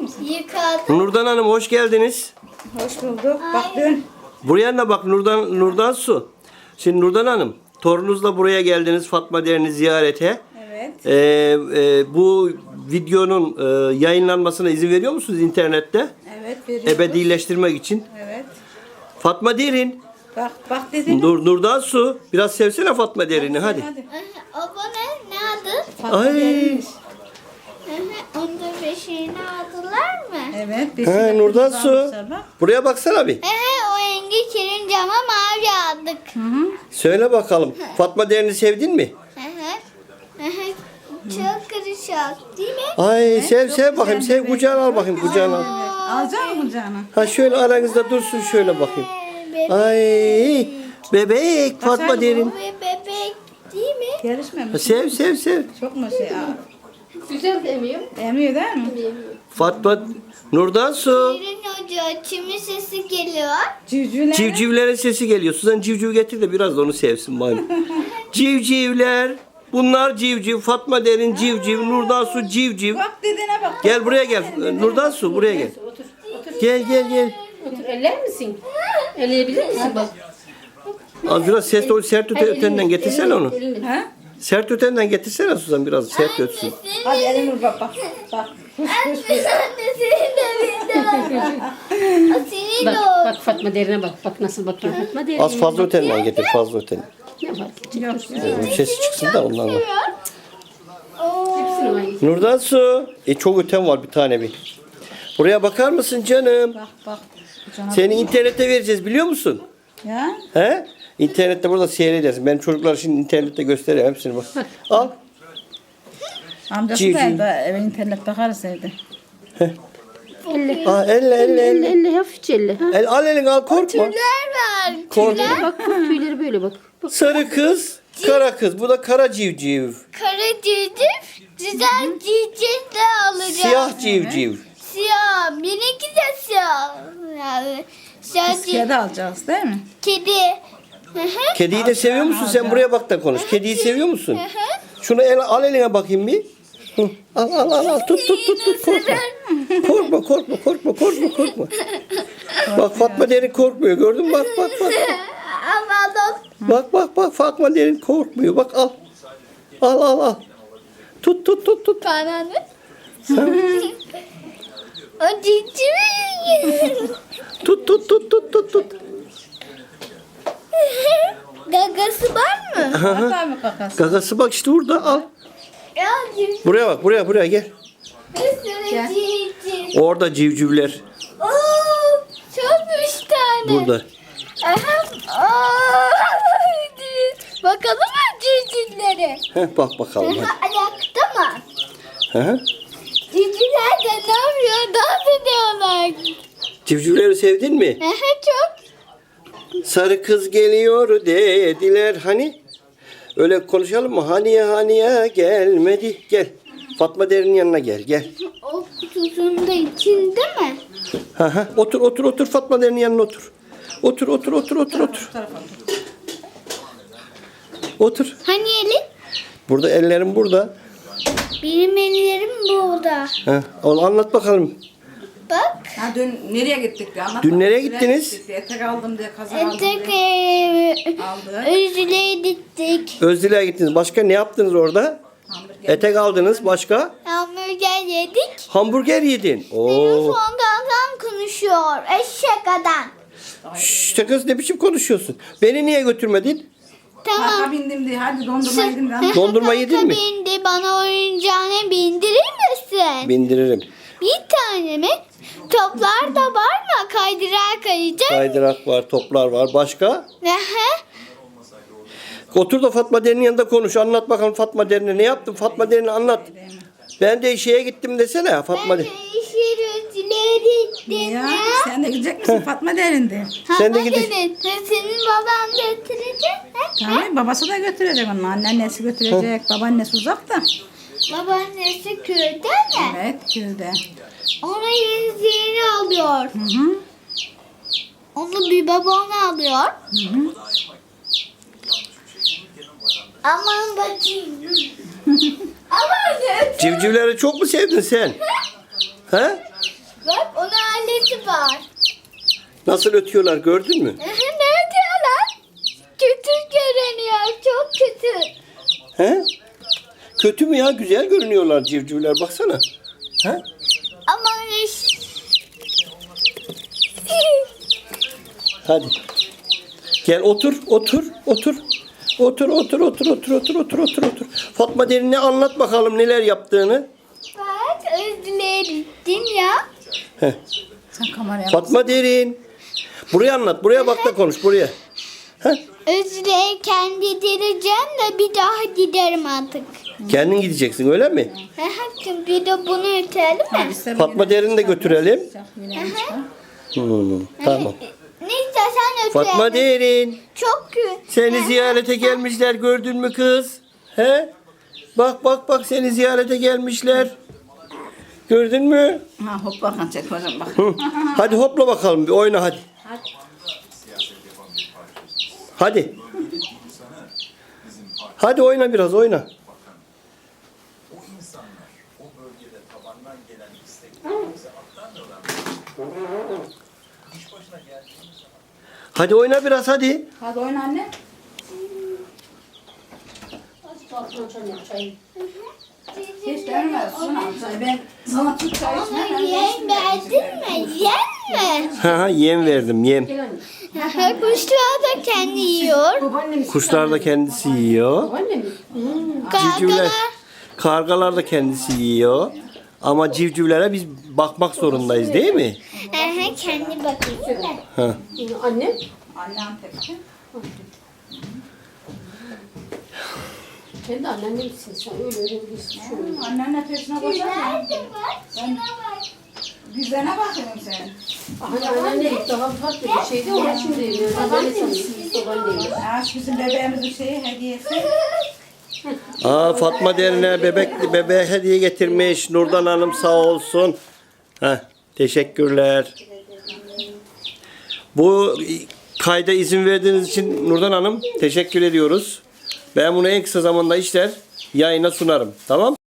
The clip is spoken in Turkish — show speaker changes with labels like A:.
A: Yıkadım.
B: Nurdan Hanım hoş geldiniz.
C: Hoş bulduk. Bak dön.
B: Buraya da bak Nurdan Su. Şimdi Nurdan Hanım torununuzla buraya geldiniz Fatma Derin'i ziyarete.
C: Evet.
B: Bu videonun yayınlanmasına izin veriyor musunuz internette?
C: Evet veriyoruz.
B: Ebedileştirmek için.
C: Evet.
B: Fatma Derin.
C: Bak dedim.
B: Nurdan Su. Biraz sevsene Fatma Derin'i hadi.
A: Abone ne adı?
C: Fatma
B: Ay.
C: Derin'miş.
A: Onda beşiğini aldılar mı?
C: Evet.
B: He, Nurdan Su. Buraya baksana bir.
A: O rengi kirin cama mavi aldık.
B: Söyle bakalım. Fatma Derin'i sevdin mi?
A: Çok karışık değil mi?
B: Ay sev
C: çok
B: bakayım.
C: güzel
B: Sev
C: bebek.
B: kucağına al bakayım kucağına al.
C: Alacak mı kucağına?
B: Ha şöyle aranızda dursun şöyle bakayım.
A: Bebek.
B: Ay bebek Fatma Derin.
A: Bu bebek değil mi?
C: Yarışmıyor
B: Sev.
C: Çok mu şey?
D: Güzel demiyor.
C: Emiyor değil mi?
B: Fatma Nurdan Su.
A: Kirin hoca çimin sesi geliyor.
C: Civcivler.
B: Civcivlerin sesi geliyor. Suzan civciv getir de biraz da onu sevsin bari. Civcivler. Bunlar civciv. Fatma Derin civciv. Nurdan Su civciv.
C: Bak dediğine bak.
B: Gel buraya gel. Nurdan Su buraya gel.
D: Otur.
B: Gel.
D: Otur. Eller misin? Elleyebilir misin bak?
B: Az biraz sert ötenden getirsene onu.
D: Elini.
C: Ha?
B: Sert ötenden getirsene Suzan biraz sert ötsün.
C: Hadi elini vur bak. Bak.
A: Senin de bir de o senin de o.
D: Bak Fatma Derin'e bak. Bak nasıl bakıyor Fatma Derin.
B: Az fazla ötenden getir fazla ötenden.
D: Ne var?
C: Yok.
B: Sesi çıksın da ondan var.
D: Hepsini aynı.
B: Nurdan Su. Çok öten var bir tane bir. Buraya bakar mısın canım?
C: Bak. Kucağına.
B: Seni internete vereceğiz biliyor musun?
C: Ya.
B: He? İnternette burada seyredersin. Benim çocuklar şimdi internette gösteriyor hepsini bak. Al.
C: Amcası
B: Civciv.
C: da evde eve internet bakarız evde.
D: Elle.
B: Aa, elle.
D: Elle hafifçe elle. Ha?
B: Al elini al korkma.
A: Tüyler var.
B: Korkma.
D: Bak tüyleri böyle bak.
B: Sarı kız, kara kız. Bu da kara civciv.
A: Kara civciv. Güzel civciv de alacağım.
B: Siyah civciv.
A: Siyah. Benimki de siyah. Yani, siyah
C: Biz kedi alacağız değil mi?
A: Kedi.
B: Kediyi de seviyor musun? Sen buraya bak da konuş. Kediyi seviyor musun? Şunu al eline bakayım bir. Hı. Al. Tut. Korkma. Bak Fatma Derin korkmuyor. Gördün mü? Bak.
A: Alalım.
B: Bak Fatma Derin korkmuyor. Bak al. Al. Tut.
A: Bana ne? O civciv.
B: Tut.
A: Gagası var mı?
C: Hatta mı kakası?
B: Gagası bak işte burada al.
A: Ya civciv.
B: Buraya bak buraya gel.
A: Bir sürü civciv.
B: Orada civcivler.
A: Oo, çok 3 tane.
B: Burada.
A: Bakalım mı civcivlere?
B: Bak bakalım. Hadi.
A: Ayakta mı?
B: Hı.
A: Civcivler de ne yapıyor? Dans ediyorlar.
B: Civcivleri sevdin mi?
A: Çok.
B: Sarı kız geliyor dediler hani. Öyle konuşalım mı? Haniye gelmedi. Gel. Fatma Derin'in yanına gel.
A: O kutusunun da içinde mi?
B: Otur Fatma Derin'in yanına otur. Otur. Otur.
A: Hani elin?
B: Burada ellerim burada.
A: Benim ellerim burada.
B: Onu anlat bakalım.
A: Bak.
C: Ha dün nereye gittik diye anlat.
B: Dün nereye
C: Nereye
B: gittiniz?
C: gittik diye, etek aldım diye kazak aldım
A: Tek
C: diye. Aldık.
A: Özüle'ye gittik.
B: Özdile'ye gittiniz. Başka ne yaptınız orada?
C: Hamburger.
B: Etek aldınız. Başka?
A: Hamburger yedik.
B: Hamburger yedin. Oo.
A: Sondan konuşuyor. Eşek adam.
B: Şşş kız ne biçim konuşuyorsun? Beni niye götürmedin?
A: Tamam.
C: Parka bindim diye hadi dondurma yedim diye anlat.
B: Dondurma yedin mi?
A: Bindi bana oyuncağını bindirir misin?
B: Bindiririm.
A: Bir tane mi? Toplar da var mı? Kaydırağa kayacak.
B: Kaydırak var, toplar var. Başka?
A: Aha.
B: Otur da Fatma Derin'in yanında konuş. Anlat bakalım Fatma Derin'e. Ne yaptın Fatma Derin'e anlat. Ben de şeye gittim desene Fatma Derin.
A: İşleri gittim
C: Ya
A: ya.
C: sen de gidecek misin Fatma derindi.
B: Sen de
A: Ama
B: gidin.
A: senin baban getirecek.
C: Tamam babası da götürecek onu. Anneannesi götürecek. Babaannesi uzak da.
A: Babaannesi köyde mi?
C: Evet köyde.
A: Ona yeni alıyor.
C: Hı.
A: Onu bir babana alıyor. Aman bakayım. Aman bakayım.
B: Civcivleri çok mu sevdin sen? He?
A: sesi var.
B: Nasıl ötüyorlar gördün mü?
A: Ne diyorlar? Kötü görünüyor. Çok kötü.
B: He? Kötü mü ya? Güzel görünüyorlar civcivler baksana. He?
A: Ama
B: Hadi. Gel otur. Otur. Fatma Derin'e anlat bakalım neler yaptığını.
A: bak özledin ya.
B: Heh.
C: Sen kameraya bak.
B: Fatma Derin. Buraya anlat. Buraya bak da konuş buraya. Heh.
A: Kendi direceğim de bir daha giderim artık.
B: Kendin gideceksin öyle mi?
A: Bir de bunu ötelim mi?
B: Fatma Derin'i de götürelim. Tamam.
A: Neyse sen öte.
B: Fatma Derin.
A: Çok kötü.
B: Seni ziyarete gelmişler gördün mü kız? He? Bak seni ziyarete gelmişler. Gördün mü?
C: Ha hop bakalım çek hocam bak.
B: Hı. Hadi hopla bakalım bir oyna hadi. Hadi. Hadi oyna biraz oyna. Hadi oyna biraz hadi.
C: Hadi oyna anne. Hiç denmez. Ben sana Türk çayı
A: Ama
C: içmem.
A: yem verdin mi? Yem mi?
B: Ha yem verdim yem.
A: Kuşlar da kendi yiyor.
B: Kuşlar da kendisi yiyor. Civcivler,
A: Kargalar.
B: kargalar da kendisi yiyor. Ama civcivlere biz bakmak zorundayız değil mi?
A: Kendi bakıyor da.
B: Ha.
D: Anne.
C: Annem tepki.
D: Kendi annenle gitsin sen öyle gitsin şöyle.
C: Annenle peşine koşar mı?
A: Nerede var? Şuna bak.
C: Güzene bakıyorum sen.
D: Hani annenle gitti daha farklı bir şeydi ama şimdi evliyor. Babaanne sanıyorsun. Babaanne.
C: Ha şu bizim bebeğimizin şeyi hediyesi.
B: Aa Fatma Derin'e bebeğe hediye getirmiş. Nurdan Hanım sağ olsun. Heh, teşekkürler. Bu kayda izin verdiğiniz için Nurdan Hanım teşekkür ediyoruz. Ben bunu en kısa zamanda işler yayına sunarım. Tamam?